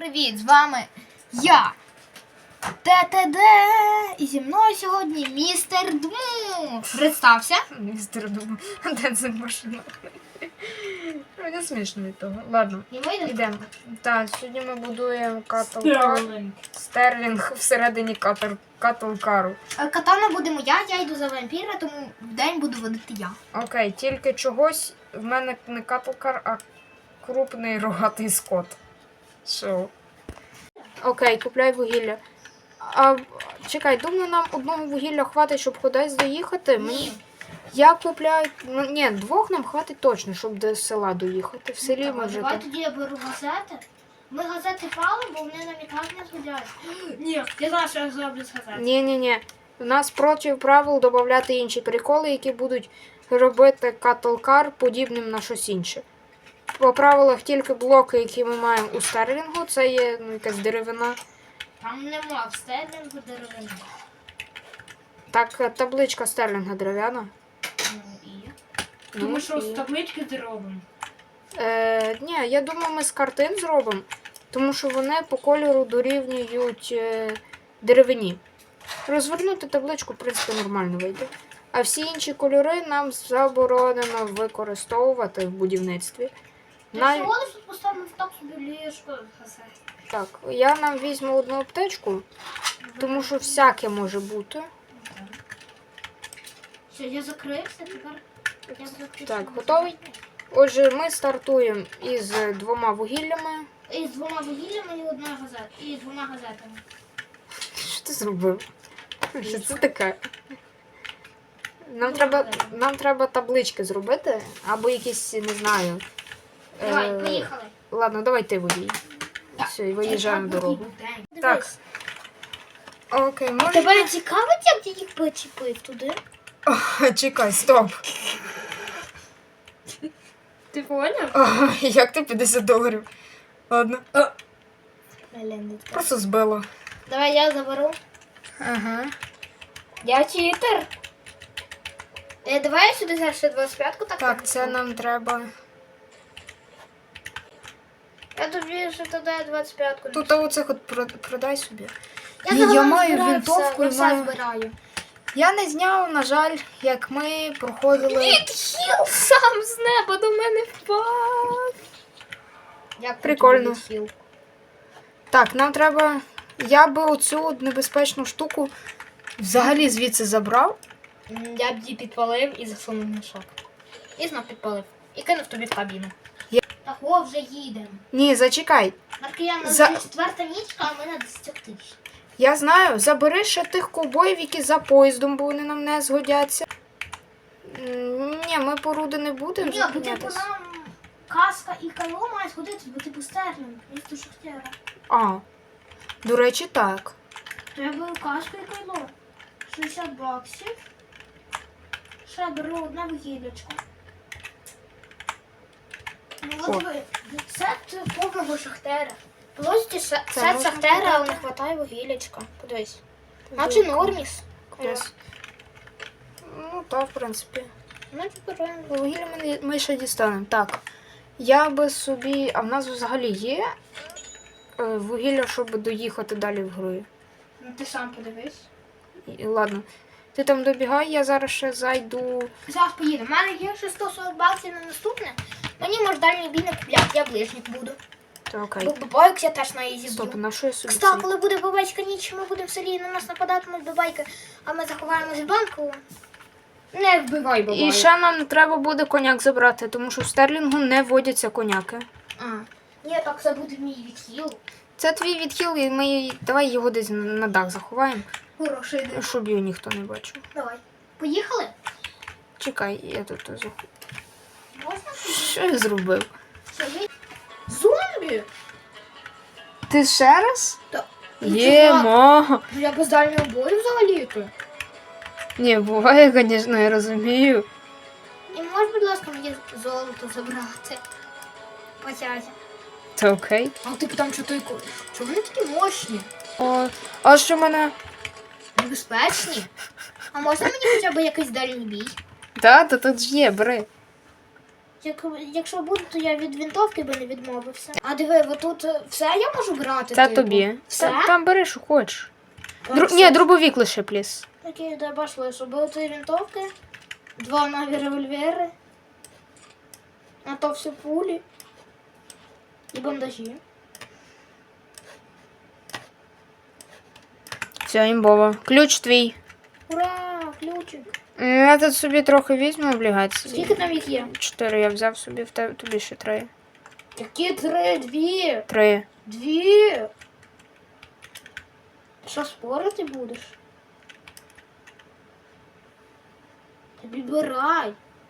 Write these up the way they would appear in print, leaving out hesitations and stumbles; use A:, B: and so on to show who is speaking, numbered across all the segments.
A: привіт! З вами я, ТТД, і зі мною сьогодні містер Дму. Представся.
B: Містер Дму, де це машина? Мені смішно від того. Ладно, йдемо. Так, сьогодні ми будуємо Стерлінг всередині катлкару.
A: Катана будемо я йду за вампіра, тому в день буду водити я.
B: Окей, тільки чогось в мене не катлкар, а крупний рогатий скот. Що? Окей, купляй вугілля. Чекай, думаю, нам одного вугілля хватить, щоб кудись доїхати.
A: Ні.
B: Я купляю... Ні, двох нам хватить точно, щоб до села доїхати. В селі ми вже...
A: Давай тоді я беру газети. Ми газети палимо, бо вони нам ніяк не згодяться. Ні, я знаю, що я зроблю з газет.
B: Ні. У нас проти правил додати інші приколи, які будуть робити катлкар подібним на щось інше. По правилах тільки блоки, які ми маємо у Стерлінгу, це є якась деревина.
A: Там нема в Стерлінгу деревини.
B: Так, табличка Стерлінга дерев'яна.
A: Тому що з таблички зробимо.
B: Ні, я думаю, ми з картин зробимо, тому що вони по кольору дорівнюють деревині. Розвернути табличку, в принципі, нормально вийде. А всі інші кольори нам заборонено використовувати в будівництві.
A: Всього лиш тут поставимо так собі ліжко з газет.
B: Так, я нам візьму одну аптечку, тому що всяке може бути.
A: Все, я закрився, тепер я закрився.
B: Так, готовий? Отже, ми стартуємо із двома вугіллями.
A: І з двома вугіллями і одна газета. І двома газетами.
B: Що ти зробив? Що це таке? Нам треба таблички зробити, або якісь, не знаю.
A: Давай, поїхали.
B: Ладно, давай ти водій. Все, і виїжджаємо дорогу. Так. Окей,
A: А тебе не цікавить, як ти їх почепив туди?
B: Чекай, стоп.
A: Ти поняв?
B: Як ти $50? Ладно. Просто збило.
A: Давай я заберу.
B: Ага.
A: Я читер. Давай я сюди зараз ще 25-ку так.
B: Так, це нам треба.
A: Я тобі ще туди 25-ку.
B: Тут оцих от продай собі.
A: Я
B: маю винтовку і
A: все
B: маю...
A: збираю.
B: Я не зняв, на жаль, як ми проходили.
A: Відхил сам з неба до мене впав. Як
B: Прикольно. Так, нам треба. Я би оцю небезпечну штуку взагалі звідси забрав.
A: Я б її підпалив і засунув на шок. І знов підпалив. І кинув тобі в кабіну. Так, о, вже їдемо.
B: Ні, зачекай.
A: Маркіян, у нас вже 4-та нічка, а ми на 10 тисяч.
B: Я знаю, забери ще тих ковбоїв, які за поїздом, бо вони нам не згодяться. Ні, ми по руди не будемо.
A: Ні, бо типу нам каска і кайло має сходити, бо типу Стерлінг, місто Шахтера.
B: А, до речі, так.
A: Треба каска і кайло. 60 баксів. Ще беру одне вугіллячко. Ну от ви, сет повного Шахтера. Площі сет Шахтера, але не вистачає вугіллячка. Подивись. Наче норміс.
B: Десь. Ну, так, в принципі.
A: Наче беремо.
B: Вугілля ми ще дістанемо. Так. Я би собі. А в нас взагалі є вугілля, щоб доїхати далі в грою.
A: Ну ти сам подивись.
B: Ладно. Ти там добігай, я зараз ще зайду.
A: Зараз поїдемо. У мене є ще 140 баксів на наступне. Мені може дальній бій не купляти, я ближник буду.
B: Так, окей.
A: Бо бабайок я теж на її
B: Стоп,
A: зб'ю.
B: на що я собі
A: Кстати,
B: це?
A: коли буде бабайська ніч, ми будемо в селі, і на нас нападатимуть бабайки, а ми заховаємось в банку. Не вбивай бабайок.
B: І ще нам треба буде коняк забрати, тому що в Стерлінгу не водяться коняки.
A: Ні, так це буде мій відхил.
B: Це твій відхил, і ми давай його десь на дах заховаємо,
A: Хороший ідея.
B: щоб його ніхто не бачив.
A: Давай. Поїхали?
B: Чекай, я тут заховаю.
A: Можна?
B: Що я зробив?
A: Зомбі?
B: Ти ще раз?
A: Так.
B: Єма!
A: Я без дальнього бою взагалі-то.
B: Ні, буває, звісно, я розумію.
A: І можеш, будь ласка, мені золото забрати? Потязі.
B: Це окей.
A: А ти там чого вони такі мощні?
B: О, а що мене?
A: Небезпечні? А можна мені хоча б якийсь дальній бій?
B: Так, то тут ж є, бери.
A: Якщо буде, то я від винтовки би не відмовився. А диви, отут все я можу брати?
B: Це
A: типу?
B: тобі.
A: Все?
B: Там бери, що хочеш.
A: Так,
B: Ні, дробовик лише, пліс.
A: Окей, дай пошли, щоб були ці винтовки, 2 нові револьвери, а то все пулі і бандажі.
B: Все, імбово. Ключ твій.
A: Ура, ключик.
B: Я тут собі трохи візьму облігації.
A: Скільки там їх є?
B: 4 я взяв собі, тобі ще 3.
A: Які 3? 2?
B: 3.
A: 2? Що, спорити будеш? Тобі бирай.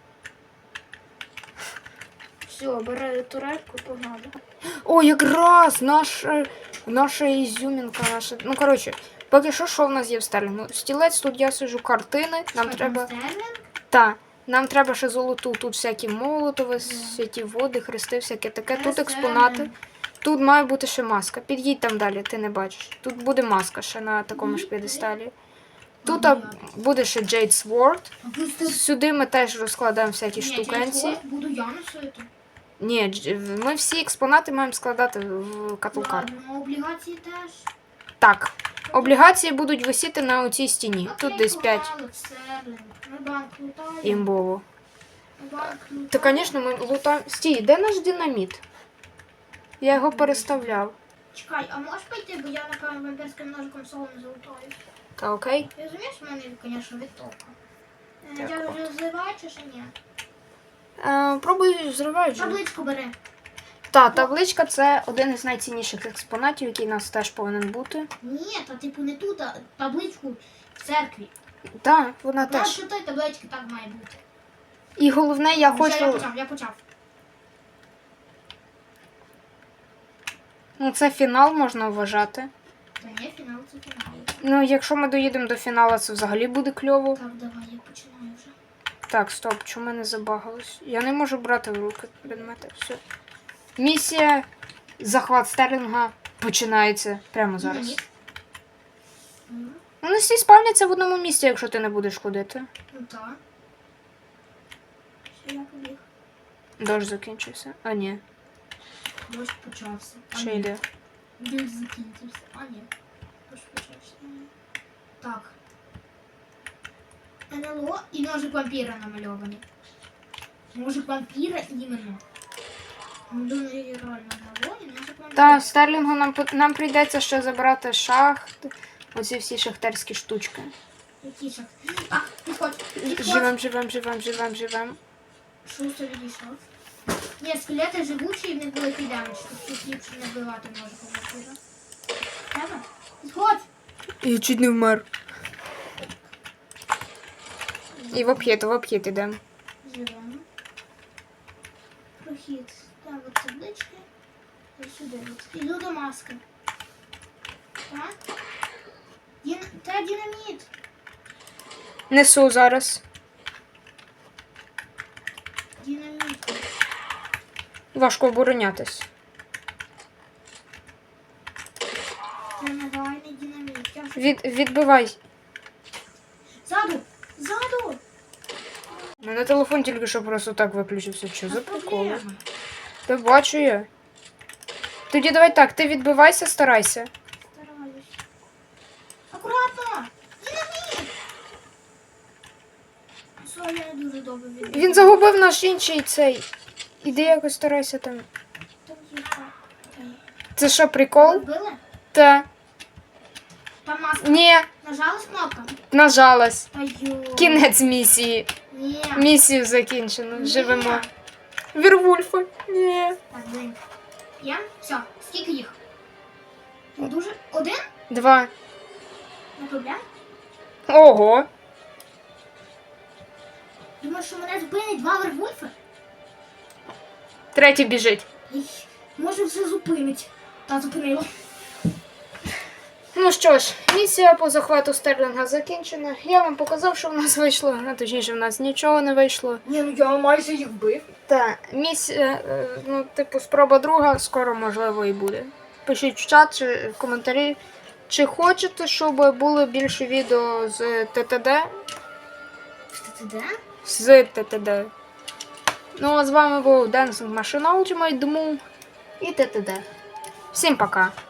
A: Все, бери турельку, погнали.
B: О, якраз наша ізюмінка, наша. Ну, коротше, поки що в нас є в Стерлінгу? Стілець, тут я сижу, картини. Нам треба. Та. Нам треба ще золоту. Тут всякі молотови, святі води, хрести, всяке таке. Тут експонати. Тут має бути ще маска. Під'їдь там далі, ти не бачиш. Тут буде маска ще на такому ж п'єдесталі. Тут буде ще Jade Sword. Сюди ми теж розкладаємо всякі штукенці.
A: Буду я носити.
B: Ні, ми всі експонати маємо складати в каталкар.
A: Ладно, облігації теж.
B: Так, облігації будуть висіти на оцій стіні. Тут десь 5.
A: Ми банк лутаємо.
B: Імбово.
A: Банк лутаємо.
B: Та, звісно, ми лутаємо. Стій, де наш динаміт? Я його переставляв.
A: Чекай, а можеш пойти, бо я, напевно, вампірським ножиком солом залутаю.
B: Та окей.
A: Ти розумієш, в мене, звісно, відтока. Я
B: Так.
A: вже зливаю чи ще ні?
B: Пробуй зривай вже.
A: Табличку бери.
B: Та, табличка це один із найцінніших експонатів, який у нас теж повинен бути.
A: Ні, та типу не тут, а табличку в церкві.
B: Так, вона
A: Знаєш,
B: теж.
A: що той таблички так має бути.
B: І головне, я
A: Все,
B: хочу.
A: я почав.
B: Ну, це фінал можна вважати.
A: Та ні, фінал це фінал.
B: Ну, якщо ми доїдемо до фіналу, це взагалі буде кльово.
A: Так, давай, я починаю вже.
B: Так, стоп, чому мене забагалось? Я не можу брати в руки предмети. Все. Місія захват Стерлінга починається прямо зараз.
A: Динаміт.
B: Вони всі спавняться в одному місці, якщо ти не будеш ходити.
A: Ну так. Все, я побіг.
B: Дощ закінчився. А ні,
A: Дощ почався.
B: ще йде.
A: Дощ закінчився. А ні. Дощ почався. Так. НЛО і ножик вампіра намальований. Ножик вампіра іменно. Думаю, реально НЛО і ножик вампіра.
B: Та, в Стерлінгу нам прийдеться ще забрати шахт. Оці всі шахтарські штучки.
A: Які шах? Так, підходь.
B: Живем.
A: Шустер відійшов. Ні, скелети живучі і в них великий демедж. Тут ліпше не вбивати ножиком вампіра. Треба? Підходь.
B: Я чуть не вмер. І в обхід ідемо.
A: Живемо. Прохід. Так, от таблички. І сюди. Іду до маски. Так. Та динаміт.
B: Несу зараз.
A: Динаміт.
B: Важко оборонятись.
A: Тренувальний динаміт. Я вже...
B: Відбивай.
A: Ззаду! Ззаду!
B: У мене телефон тільки що просто так виключився. Що за приколи?
A: Проблема.
B: Та бачу я. Тоді давай так, ти відбивайся, старайся.
A: Стараюсь. Акуратно! Динаміт! Все, я не дуже добре відбив.
B: Він загубив наш інший цей. Іди якось старайся там.
A: Там є що?
B: Це що, прикол?
A: Вбили?
B: Та.
A: Там маска.
B: Ні,
A: Нажалась кнопка?
B: нажалась.
A: Та йо.
B: Кінець місії.
A: Ні.
B: Місію закінчено.
A: Ні.
B: Живемо. Вірвульфа. Ні.
A: Так, блин. Є? Все. Скільки їх? Дуже? 1?
B: 2.
A: Не проблем?
B: Ого.
A: Думаєш, що мене зупинить 2 вервольфи?
B: Третій біжить.
A: Може все зупинить. Та зупинило.
B: Ну що ж, місія по захвату Стерлінга закінчена. Я вам показав, що в нас вийшло, а точніше в нас нічого не вийшло.
A: Ні, ну я майже їх вбив.
B: Та, місія, ну, типу, спроба друга, скоро, можливо, і буде. Пишіть в чат чи в коментарі, чи хочете, щоб було більше відео з ТТД.
A: Ти де?
B: З ТТД. Ну, а з вами був Dancing Machine Ultimate Doom і ТТД. Всім пока!